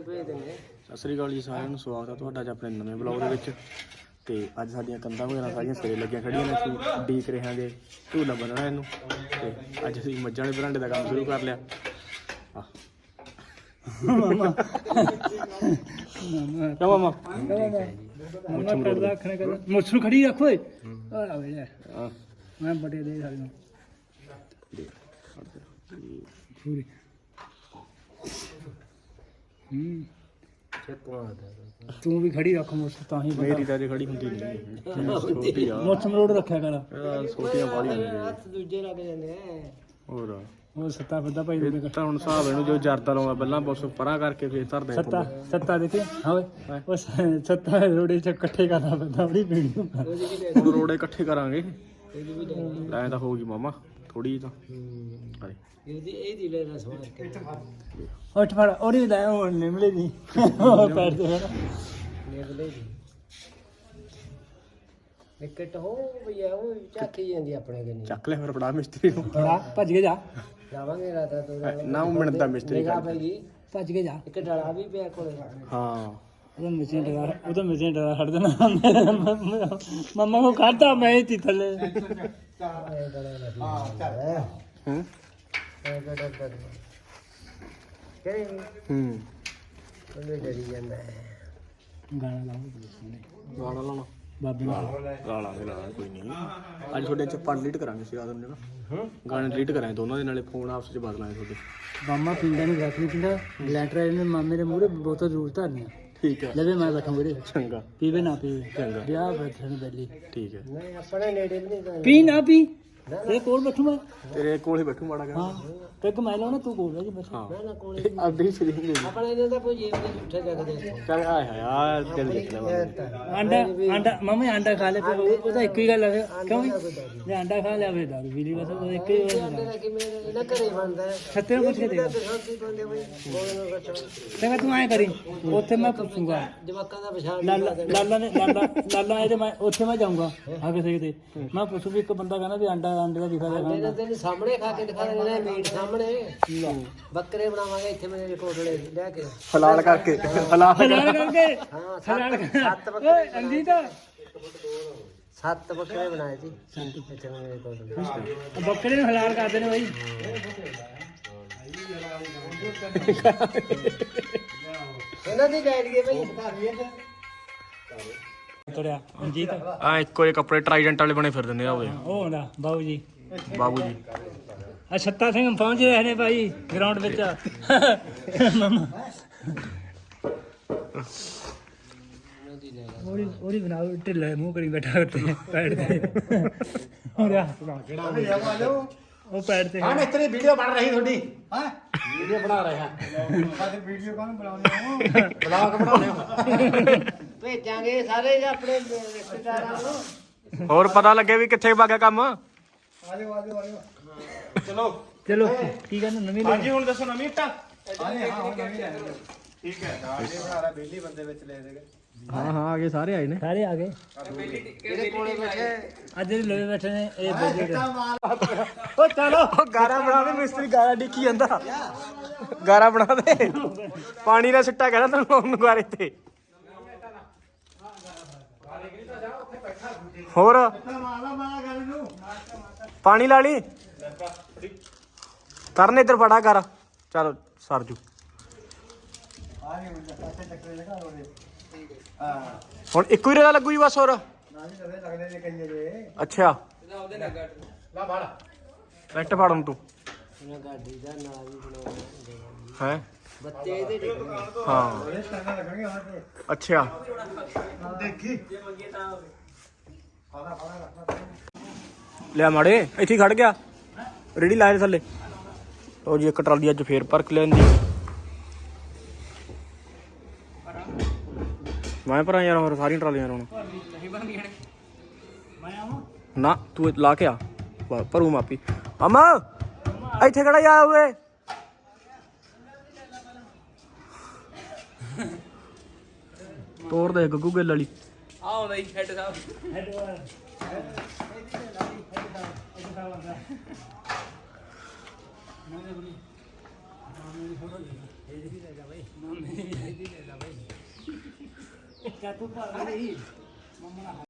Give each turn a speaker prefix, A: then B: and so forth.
A: ਸਤਿ ਸ੍ਰੀ ਅਕਾਲ ਜੀ ਸਾਰਿਆਂ ਨੂੰ, ਸਵਾਗਤ ਹੈ ਤੁਹਾਡਾ ਅੱਜ ਆਪਣੇ ਨਵੇਂ ਬਲੌਗ ਦੇ ਵਿੱਚ। ਤੇ ਅੱਜ ਸਾਡੀਆਂ ਕੰਧਾਂ ਵਗੈਰਾ ਸਾਰੀਆਂ ਸਿਰੇ ਲੱਗੀਆਂ ਖੜੀਆਂ ਨੇ। ਅਸੀਂ ਡੀਕ ਰਹੇ ਹਾਂਗੇ ਝੂਲਾ ਬੰਨਣਾ ਇਹਨੂੰ। ਤੇ ਅੱਜ ਅਸੀਂ ਮੱਝਾਂ ਵਾਲੇ ਬਰਾਂਡੇ ਦਾ ਕੰਮ ਸ਼ੁਰੂ ਕਰ ਲਿਆ। ਮਾਮਾ ਕਿਉਂ ਮਾਮਾ ਮੁੱਛ ਨੂੰ ਖੜੀ ਰੱਖ ਓਏ। ਮੈਂ ਬੜੇ ਦੇ ਸਾਰਿਆਂ ਨੂੰ ਪੂਰੀ ਤੂੰ ਵੀ ਖੜੀ ਰੱਖ ਮੁੱਛ ਤਾਂ ਹੀ ਮੇਰੀ ਤਾਂ ਖੜੀ ਹੁੰਦੀ ਨਹੀਂ। ਮੁੱਛ ਮਰੋੜ ਰੱਖਿਆ ਕਰ। ਛੋਟੀਆਂ ਬਾਲੀਆਂ ਨੇ ਹੱਥ ਦੂਜੇ ਲੱਗ ਜਾਂਦੇ ਆ। ਹੋਰ ਸੱਤਾ ਫਿਰਦਾ ਭਾਈ ਤਾਂ ਹੁਣ ਹਿਸਾਬ ਇਹਨੂੰ ਜੋ ਜਰਦਾ ਲਾਉਂਦਾ ਪਹਿਲਾਂ ਬਸ ਪਰਾਂ ਕਰਕੇ ਫੇਰ ਧਰਦਾ ਸੱਤਾ ਦੇਖੇ ਹਾਂ ਓਏ ਸੱਤਾ ਰੋੜੇ ਚ ਇਕੱਠੇ ਕਰਨਾ ਪੈਂਦਾ ਬੜੀ ਵੀਡੀਓ ਹੁਣ ਰੋੜੇ ਇਕੱਠੇ ਕਰਾਂਗੇ ਐਂ ਤਾਂ ਹੋਊਗੀ ਮਾਮਾ ਥੋੜੀ ਤਾਂ ਇਹਦੀ ਲੈ ਰਸ ਮਾਰ ਕੇ ਉੱਠ ਫੜ ਉਹਦੀ ਲੈ ਉਹ ਨਿਮਲੇ ਦੀ ਪੈਰ ਤੇ ਨਿਮਲੇ ਦੀ ਵਿਕਟ ਹੋ ਭਈਆ ਉਹ ਚੱਕੀ ਜਾਂਦੀ ਆਪਣੇ ਕੋਲ ਚੱਕ ਲੈ ਫਿਰ ਬੜਾ ਮਿਸਤਰੀ ਨੂੰ ਬੜਾ ਭੱਜ ਕੇ ਜਾ ਜਾਵਾਂਗੇ ਰਾਤ ਨਾ ਉਹ ਮਿੰਟਦਾ ਮਿਸਤਰੀ ਭੱਜ ਕੇ ਜਾ ਇੱਕ ਡਲਾ ਵੀ ਪਿਆ ਕੋਲੇ ਹਾਂ ਉਹਦਾ ਮਸ਼ੀਨ ਡਰਾ ਛੱਡ ਦੇਣਾ ਮੰਮਾ ਨੂੰ ਖਾਦਾ ਮੈਂ ਹੀ ਥੱਲੇ ਗਾਣਾ ਲਾਉਣਾ ਬਾਬੇ ਲਾ ਕੋਈ ਨਹੀਂ। ਅੱਜ ਤੁਹਾਡੇ ਚ ਆਪਾਂ ਡਿਲੀਟ ਕਰਾਂਗੇ ਸੀ ਆਦਮ ਨੇ ਨਾ ਗਾਣੇ ਡਿਲੀਟ ਕਰਾਂਗੇ ਦੋਨਾਂ ਦੇ ਨਾਲੇ ਫੋਨ ਆਪਸ ਚ ਬਦਲਾਂਗੇ ਤੁਹਾਡੇ। ਮਾਮਾ ਪਿੰਡਾਂ ਨੂੰ ਰੱਖ ਨਹੀਂ ਪਿੰਡਾ ਲੈਟਰ ਨੇ ਮਾਮੇ ਦੇ ਮੂਹਰੇ ਬਹੁਤ ਜ਼ਰੂਰ ਧਰਨੀ। ਠੀਕ ਹੈ ਲੈ ਮੈਂ ਬੈਠਾ ਵੀਰੇ ਚੰਗਾ ਪੀਵੇ ਨਾ ਪੀਵੇ ਚੰਗਾ ਵਿਆਹ ਬੈਠਣ ਬੈਲੀ ਠੀਕ ਹੈ ਨਹੀਂ ਆਪਣੇ ਨੇੜੇ ਨਹੀਂ ਪੀ ਨਾ ਪੀ ਤੇਰੇ ਕੋਲ ਬੈਠੂ ਮੈਂ ਤੇਰੇ ਕੋਲ ਹੀ ਬੈਠੂ ਮਾੜਾ ਹਾਂ ਪੈਗ ਮੈਂ ਲਾਉਣਾ ਤੂੰ ਕੋਲ ਜੀ ਬਸ ਹਾਂ ਨਾ ਕੋਲ ਅੱਧੀ ਸਰੀਰ ਦੇ ਆਪਣੇ ਇਹਨਾਂ ਦਾ ਕੋਈ ਜੇਬ ਦੇ ਝੂਠੇ ਜਗਦੇ ਚੱਲ ਆਏ ਹਾਏ ਦਿਲ ਦੇਖ ਲੈ ਆਂਡਾ ਮਾਮੇ ਆਂਡਾ ਖਾ ਲੈ ਫਿਰ ਉਹਦਾ ਇੱਕ ਹੀ ਗੱਲ ਹੈ ਕਿਉਂ ਜੇ ਆਂਡਾ ਖਾ ਲਿਆ ਫਿਰ ਦਾਰੂ ਪੀ ਲਈ ਬਸ ਉਹ ਇੱਕ ਹੀ ਆਂਡਾ ਕਿ ਮੇਰੇ ਇਹਨਾਂ ਘਰੇ ਬਣਦਾ ਸੱਤੇ ਨੂੰ ਪੁੱਛ ਕੇ ਦੇਗਾ ਚੰਗਾ ਤੂੰ ਐਂ ਕਰੀ ਉੱਥੇ ਮੈਂ ਪੁੱਛੂਗਾ ਜਵਾਕਾਂ ਦਾ ਪਛਾਣ ਲਾਲਾ ਇਹਦੇ ਮੈਂ ਉੱਥੇ ਮੈਂ ਜਾਊਂਗਾ ਆ ਕਿਸੇ ਤੇ ਮੈਂ ਪੁੱਛੂ ਵੀ ਇੱਕ ਬੰਦਾ ਕਹਿੰਦਾ ਵੀ ਆਂਡੇ ਦਾ ਦਿਖਾ ਦੇ ਤੈਨੂੰ ਸਾਹਮਣੇ ਖਾ ਕੇ ਦਿਖਾ ਦੇਣਾ ਮੀਟ ਸਾਹਮਣੇ ਬੱਕਰੇ ਬਣਾਵਾਂਗੇ ਇੱਥੇ ਮੇਰੇ ਕੋਟਲੇ ਲੈ ਕੇ ਹਲਾਲ ਕਰਕੇ ਹਲਾਲ ਕਰਕੇ ਹਾਂ ਸੱਤ ਬੱਕਰੇ ਅੰਜੀਤ 7 ਬੱਕਰੇ ਬਣਾਏ ਸੀ ਇੱਥੇ ਮੇਰੇ ਕੋਟਲੇ ਬੱਕਰੇ ਨੂੰ ਹਲਾਲ ਕਰਦੇ ਨੇ ਬਾਈ ਇਹਨਾਂ ਦੀ ਲੈ ਲਈਏ ਬਾਈ ਤੁਰਿਆ ਅੰਜੀਤ ਆ ਇੱਕੋ ਜਿਹੇ ਕੱਪੜੇ ਟਰਾਈਡੈਂਟ ਵਾਲੇ ਬਣੇ ਫਿਰ ਦਿੰਦੇ ਆ ਉਹ ਹੁੰਦਾ ਬਾਬੂ ਜੀ ਆ ਛੱਤਾ ਸਿੰਘ ਪਹੁੰਚ ਰਹੇ ਨੇ ਭਾਈ ਗਰਾਊਂਡ ਵਿੱਚ ਉਹਦੀ ਬਣਾਓ ਢਿੱਲਾ ਮੂੰਹ ਕਰੀ ਬੈਠਾ ਉੱਤੇ ਪੈੜ ਤੇ ਉਹ ਪੈੜ ਤੇ ਹਾਂ ਮਿਸਤਰੀ ਵੀਡੀਓ ਬਣ ਰਹੀ ਤੁਹਾਡੀ ਹਾਂ ਵੀਡੀਓ ਬਣਾ ਰਹੇ ਹਾਂ ਵੀਡੀਓ ਕੌਣ ਬਣਾਉਣੀ ਆ ਬਲੌਗ ਬਣਾਉਣੇ ਆ ਭੇਜਾਂਗੇ ਸਾਰੇ ਆਪਣੇ ਰਿਸ਼ਤੇਦਾਰਾਂ ਨੂੰ ਹੋਰ ਪਤਾ ਲੱਗੇ ਵੀ ਕਿੱਥੇ ਵਗ ਗਿਆ ਕੰਮ ਆਜੋ ਚਲੋ ਕੀ ਕਹਿੰਦੇ ਨਵੀਂ ਹਾਂਜੀ ਹੁਣ ਦੱਸੋ ਨਵੀਂ ਇੱਟਾਂ ਹਾਂ ਨਵੀਂ ਲੈ ਠੀਕ ਹੈ ਸਾਡੇ ਬਣਾ ਰਿਹਾ ਬੇਲੀ ਬੰਦੇ ਵਿੱਚ ਲੈ ਦੇਗੇ ਹਾਂ ਆ ਗਏ ਸਾਰੇ ਆਏ ਨੇ ਸਾਰੇ ਆ ਗਏ ਕਿਹੜੇ ਕੋਲੇ ਬੈਠੇ ਅੱਜ ਲੋਏ ਬੈਠੇ ਨੇ ਇਹ ਬੇਲੀ ਉਹ ਚਲੋ ਗਾਰਾ ਬਣਾ ਦੇ ਮਿਸਤਰੀ ਗਾਰਾ ਡਿੱਕੀ ਜਾਂਦਾ ਗਾਰਾ ਬਣਾ ਦੇ ਪਾਣੀ ਦਾ ਸਿੱਟਾ ਕਹਿੰਦਾ ਤੈਨੂੰ ਗਾਰੇ ਤੇ ਹੋਰ ਪਾਣੀ ਲਾ ਲਈ ਕਰਨ ਇੱਧਰ ਫੜਾ ਕਰ ਚਲ ਸਰਜੂ ਹੁਣ ਇੱਕੋ ਹੀ ਰੇਲਾ ਲੱਗੂ ਜੀ ਬਸ ਹੋਰ ਅੱਛਾ ਬੈਠ ਫੜ ਤੂੰ ਹੈ ਹਾਂ ਅੱਛਾ ਦੇਖੀ ਲਿਆ ਮਾੜੇ ਇੱਥੇ ਖੜ ਗਿਆ ਰੇੜੀ ਲਾਏ ਥੱਲੇ ਉਹ ਜੀ ਇੱਕ ਟਰਾਲੀ ਅੱਜ ਫੇਰ ਭਰ ਕੇ ਲੈਂਦੀ ਮੈਂ ਭਰਾਂ ਯਾਰ ਹੋਰ ਸਾਰੀਆਂ ਟਰਾਲੀਆਂ ਹੁਣ ਨਾ ਤੂੰ ਲਾ ਕੇ ਆ ਭਰੂ ਮਾਪੀ ਅਮਾ ਇੱਥੇ ਕਿਹੜਾ ਜਾ ਹੋਏ ਤੋੜ ਦੇ ਗੱਗੂ ਗਿੱਲ ਵਾਲੀ ਆਓ ਬਈ ਹੈਡ ਸਾਹਿਬ ਹੈਡ
B: ਇਹਦੀ ਲੈ ਜਾ ਬਾਈ ਮਾਮੇ ਇਹਦੀ ਲੈ ਜਾ ਬਾਈ ਕਿਆ ਤੂੰ ਭਰ ਰਹੀ ਮੰਮਾ